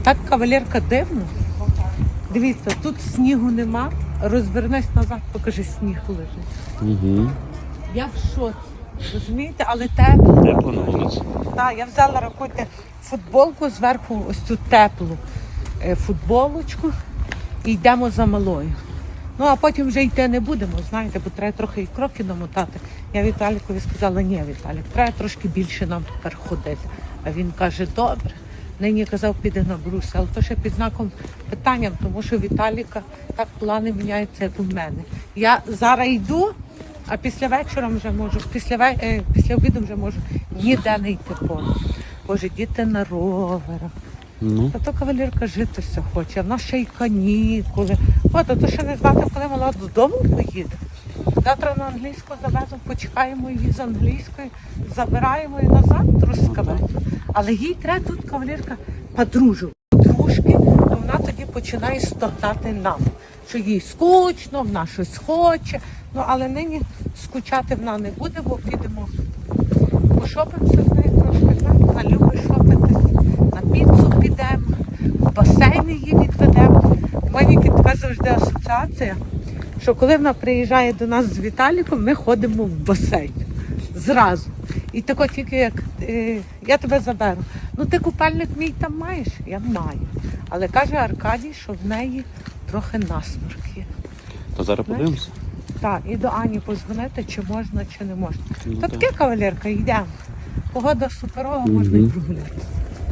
Так, кавалерка, дивно. Дивіться, тут снігу нема. Розвернись назад, покажи, сніг лежить. Угу. Я в шоці. Розумієте, але тепло. Тепло на вулиці. Так, я взяла, рахуйте, футболку, зверху ось цю теплу футболочку і йдемо за малою. Ну, а потім вже йти не будемо, знаєте, бо треба трохи і кроки намотати. Я Віталікові сказала, ні, Віталік, треба трошки більше нам тепер ходити. А він каже, добре. Нині казав, піде на брус, але то ще під знаком питання, тому що Віталіка так плани міняються, як у мене. Я зараз йду, а після вечора вже можу, після обіду вже можу ніде не йти повно. Боже, діти на роверах. Ну. Та то кавалерка жити все хоче, а в нас ще й канікули. От, а то ще не знати, коли вона додому поїде. Завтра на англійську завезу, почекаємо її з англійської, забираємо і назад трускавець. Але їй треба тут, кавалерка, подружки, то вона тоді починає стогнати нам, що їй скучно, вона щось хоче. Ну, але нині скучати вона не буде, бо підемо пошопимося з нею трошки. Вона любить шопитись, на піцу підемо, в басейн її відведемо. У мене така завжди асоціація, що коли вона приїжджає до нас з Віталіком, ми ходимо в басейн. Зразу. І тако тільки як я тебе заберу. Ну ти купальник мій там маєш? Я маю. Але каже Аркадій, що в неї трохи насморк є. То зараз подивимося. Так, і до Ані позвонити, чи можна, чи не можна. Ну, Та так. таке, кавалерка, йдемо. Погода суперова, можна і прогулятися.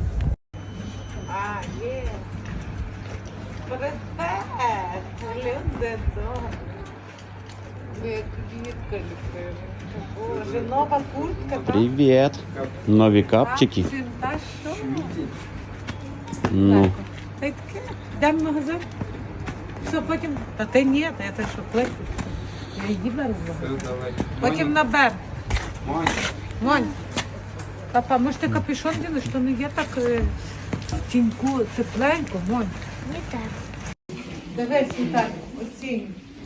А, є. Привет, люди добрі. Як квітка любила. Боже, нова куртка, так? Привіт. Нові капчики. Та що? Ну. Та й таке. Йдемо в магазин. Все, потім... Та ти ні, та я те що кликаю. Я її беру в магазин. Потім набер. Монь. Папа, може ти капюшон дінеш, що не є так в тіньку тепленько, Монь. Не так. Дивись, Віталій, оцінюй.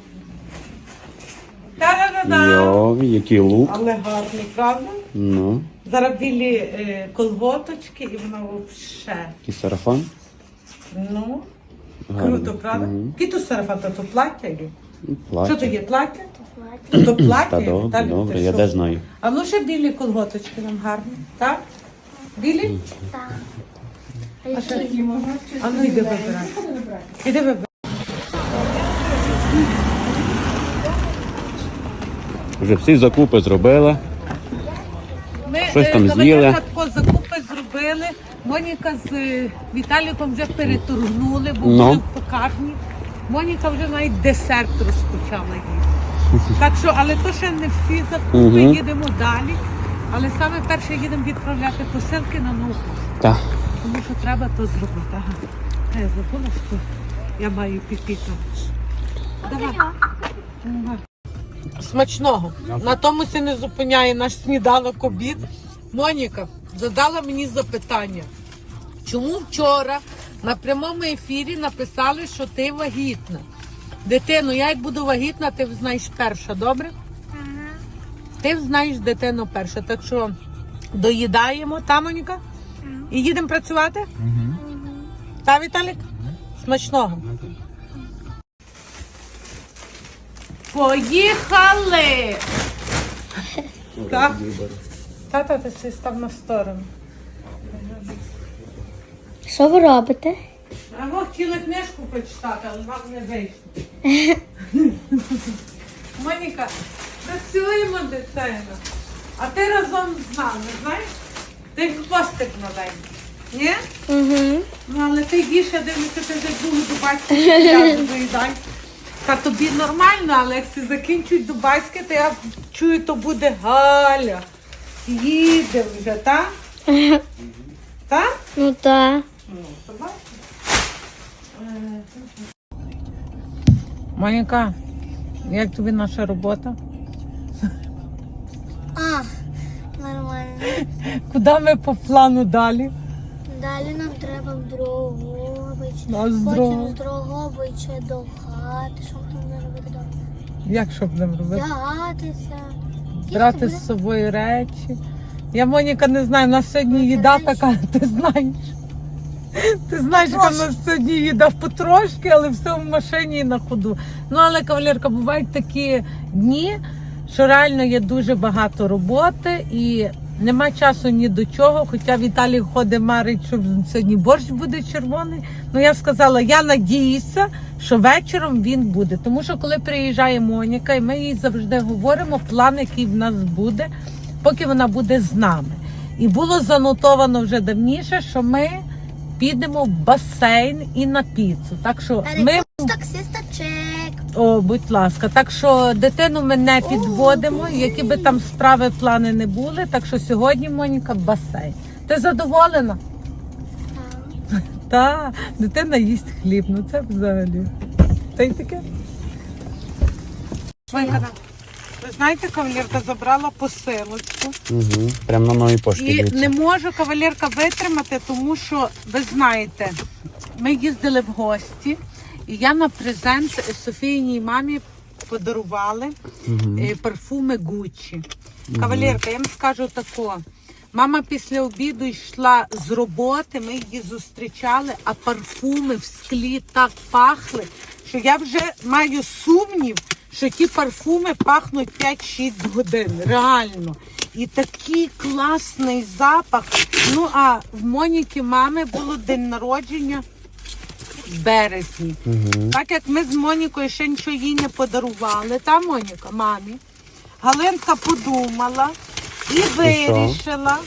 Та-да-да-да! Йо, який лук. Але гарний, правда? Ну. Зараз білі колготочки і вона взагалі. І сарафан. Ну, Гарний. круто, правда? Мгм. Які тут сарафан, то плаття є? Плаття. Що то є, плаття? Плаття. То плаття Та є, добре, Віталій, добре, ти я що? де знаю. А ну ще білі колготочки нам гарні, так? Білі? Так. А ще які можна? А ну йди вибирай. Іди вибирай. Вже всі закупи зробила. Ми Щось там з'їли. тако закупи зробили. Моніка з Віталіком вже переторгнули, бо Ну. були в пекарні. Моніка вже навіть десерт розпочала їсти. Так що, але то ще не всі закупи, Мгм. їдемо далі. Але саме перше їдемо відправляти посилки на нову. Так. Тому що треба то зробити. Ага. Я забула, що я маю піпіка. Давай. Ага. Смачного. На тому се не зупиняє наш сніданок обід. Моніка задала мені запитання. Чому вчора на прямому ефірі написали, що ти вагітна? Дитино, я як буду вагітна, ти знаєш перша, добре? Ага. Ти знаєш дитину перша, так що доїдаємо, та, Моніка? І їдемо працювати? Та, Віталік? Смачного. Поїхали! Так? Тата, ти все став на сторону. Що ви робите? А ми хотіли книжку прочитати, але вам не вийшло. Моніка, працюємо, дитина. А ти разом з нами, знаєш? Ти хвостик маленький. Ні? Угу. Ну, але ти їж, я дивлюся, ти вже другу дубайську я доїдай. Та тобі нормально, але як всі закінчують дубайське, то я чую, то буде Галя. Їде вже, так? Так? Ну так. Ну, то бачиш. Моніка, як тобі наша робота? А, нормально. Куди ми по плану далі? Далі нам треба в Дрогобич. На Потім здорово. з Дрогобича до хати. Що ми там будемо робити вдома? Як що будемо робити? Вдягатися. Брати Їсти з собою речі. Я, Моніка, не знаю, у нас сьогодні їда така, ти знаєш. Ти знаєш, яка в нас сьогодні їде потрошки, але все в машині і на ходу. Ну, але, кавалерка, бувають такі дні, що реально є дуже багато роботи і нема часу ні до чого. Хоча Віталій ходить, марить, що сьогодні борщ буде червоний. Ну, я сказала, я надіюся, що вечором він буде. Тому що коли приїжджає Моніка, і ми їй завжди говоримо план, який в нас буде, поки вона буде з нами. І було занотовано вже давніше, що ми підемо в басейн і на піцу. Так що ми... Таксиста чек. О, будь ласка. Так що дитину ми не підводимо, які би там справи, плани не були. Так що сьогодні, Моніка, басейн. Ти задоволена? Так, дитина їсть хліб. Ну це взагалі. Та й таке. Ви знаєте, кавалерка забрала посилочку. Угу. Прямо на новій пошті. І дивіться. не можу кавалерка витримати, тому що, ви знаєте, ми їздили в гості, і я на презент Софійній мамі подарували парфуми Гуччі. Кавалерка, я вам скажу тако. Мама після обіду йшла з роботи, ми її зустрічали, а парфуми в склі так пахли, що я вже маю сумнів, що ті парфуми пахнуть 5-6 годин, реально. І такий класний запах. Ну, а в Моніки мами було день народження в березні. Так як ми з Монікою ще нічого їй не подарували, та, Моніка, мамі, Галинка подумала і вирішила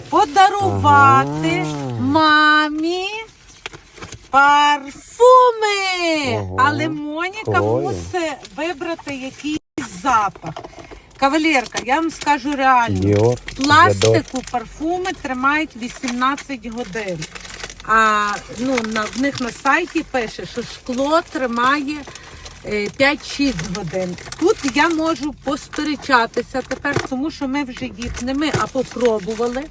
подарувати мамі парфуми. Ого, Але Моніка прикольно. мусить вибрати якийсь запах. Кавалерка, я вам скажу реально, Dior, пластику парфуми тримають 18 годин. А ну, в них на сайті пише, що шкло тримає 5-6 годин. Тут я можу посперечатися тепер, тому що ми вже їх не ми, а попробували.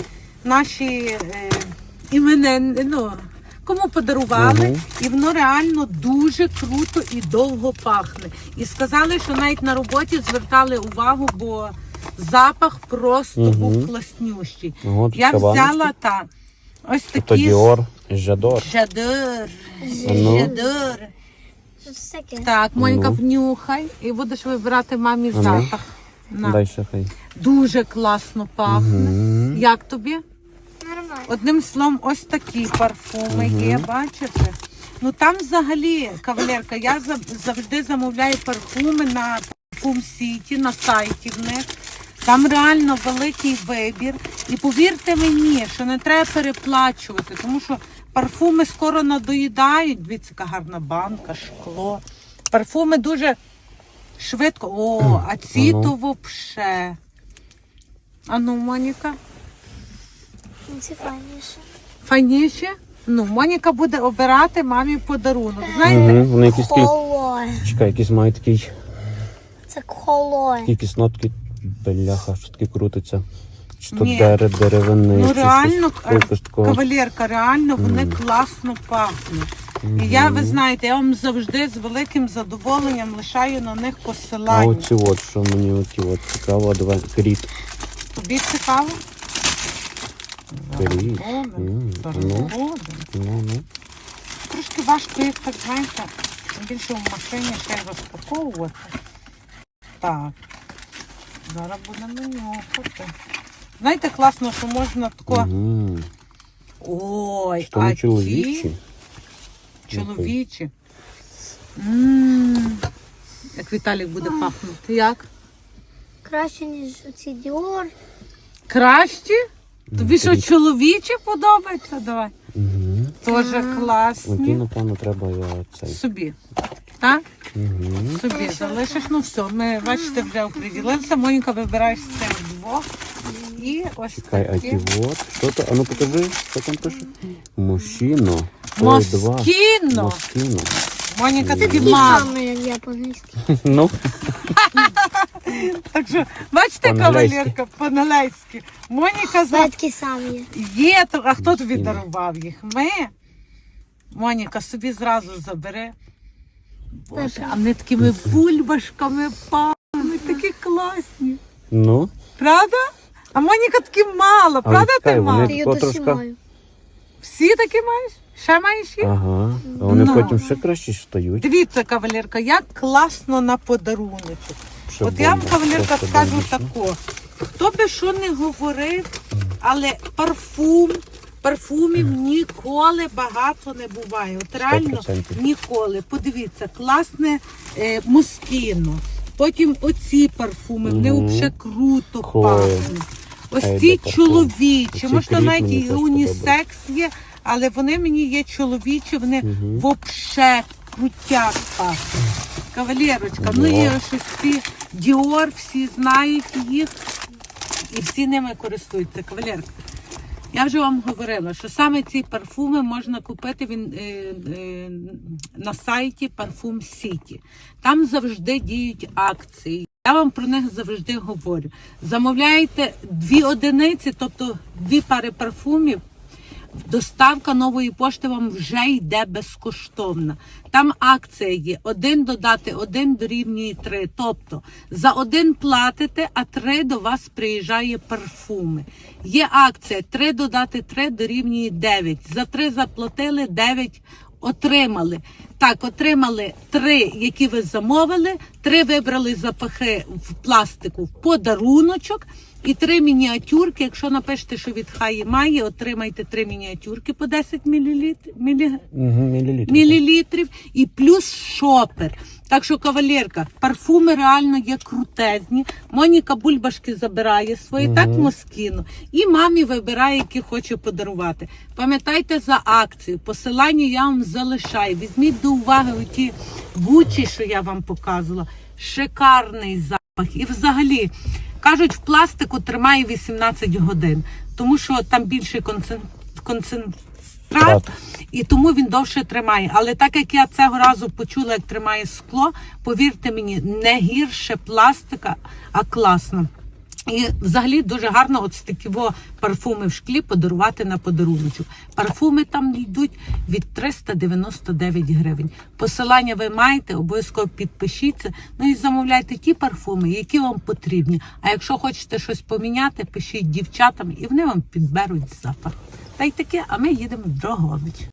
Наші іменини, ну, кому подарували, і воно реально дуже круто і довго пахне. І сказали, що навіть на роботі звертали увагу, бо запах просто був класнющий. Ого, тут Я кабаночки. взяла ось То такі Dior, Жадор. жадор. Ну. Жадор. Що це таке? Так, Монька, Ну. внюхай і будеш вибирати мамі ну. запах. На. Дай ще хай. Дуже класно пахне. Як тобі? Нормально. Одним словом, ось такі парфуми є, бачите? Ну там взагалі, кавалерка, я завжди замовляю парфуми на Parfum City, на сайті в них. Там реально великий вибір. І повірте мені, що не треба переплачувати, тому що парфуми скоро надоїдають. Дивіться, яка гарна банка, шкло. Парфуми дуже швидко. О, а ці то вообще. А ну, Моніка. Це файніше. Файніше? Ну, Моніка буде обирати мамі подарунок. Знаєте? Вони якісь такі, Колор. чекай, якісь мають такий, Це колор. якісь нотки, бляха, що таке крутиться. Чи то Ні. деревини, Ну чи реально, щось якось такого. кавалерка, реально вони класно пахнуть. І я, ви знаєте, я вам завжди з великим задоволенням лишаю на них А посилання. оці от, що мені оті от цікаво, давай, кріт. Тобі цікаво? Кріт. Згоден. Ну. Трошки важко їх, так знаєте, більше в машині ще й розпаковувати. Так, зараз будемо нюхати. Знаєте, класно, що можна тако... Ой, Що а не ті чоловічі? чоловічі. Як Віталік буде пахнути. Як? Краще, ніж оці Dior. Кращі? Тобі що, чоловічі подобається? Давай. Тоже Оті, класні. напевно, треба я цей. Собі. Так? Собі залишиш. Ну все, ми, бачите, вже оприділилися. Моніка, вибираєш з цих двох. І ось Чекай, а такі. ті от. Що то? А ну покажи, що там пише. Мужчино. Москіно. Москіно. Моніка, тобі Такі мало. самі, як я по-англійськи. Ну, Так що, бачите, По-англійськи. кавалерка, по-англійськи. Моніка Це за... такі самі. Є, а хто тобі дарував їх? Ми? Моніка, собі зразу забери. Боже, а вони такими бульбашками пахнуть, такі класні. ну. Правда? А Моніка такі мало, Але правда чекай, ти вони мало? Ти її то трошки- досімаю. Всі такі маєш? Ще маєш їх? Ага. А вони Ну. потім ще краще стають. Дивіться, кавалерка, як класно на подаруночок. Ще От я вам, бомба, кавалерка, просто скажу бомбічно. тако. Хто би що не говорив, але парфумів ніколи багато не буває. От реально 100%. ніколи. Подивіться, класне мускіно. Потім оці парфуми, вони Мгм. взагалі круто Хлоя. пахнуть. Ось Хайде ці парфум. чоловічі, Оці може кріп навіть мені і теж унісекс є, але вони мені є чоловічі, вони Мгм. взагалі крутяк пахнуть. Кавалерочка, ну і ось ці Діор, всі знають їх і всі ними користуються. Кавалерка, я вже вам говорила, що саме ці парфуми можна купити на сайті Parfum City. Там завжди діють акції. Я вам про них завжди говорю. Замовляєте 2 одиниці, тобто 2 пари парфумів, доставка нової пошти вам вже йде безкоштовна. Там акція є. 1 додати 1 дорівнює 3. Тобто за 1 платите, а 3 до вас приїжджає парфуми. Є акція 3 додати 3 дорівнює 9. За 3 заплатили, 9 отримали. Так, отримали 3, які ви замовили, 3 вибрали запахи в пластику в подаруночок і 3 мініатюрки. Якщо напишете, що від Хаї Маї, отримайте 3 мініатюрки по 10 мілілітрів і плюс шопер. Так що, кавалерка, парфуми реально є крутезні. Моніка бульбашки забирає свої, так Москіно. І мамі вибирає, які хоче подарувати. Пам'ятайте за акцію. Посилання я вам залишаю. Візьміть до уваги оті Гуччі, що я вам показувала. Шикарний запах. І взагалі, кажуть, в пластику тримає 18 годин, тому що там більший концентрат, і тому він довше тримає. Але так як я цього разу почула, як тримає скло, повірте мені, не гірше пластика, а класно. І взагалі дуже гарно от такі парфуми в шклі подарувати на подаруночок. Парфуми там йдуть від 399 гривень. Посилання ви маєте, обов'язково підпишіться. Ну і замовляйте ті парфуми, які вам потрібні. А якщо хочете щось поміняти, пишіть дівчатам і вони вам підберуть запах. Та й таке, а ми їдемо в Дрогобич.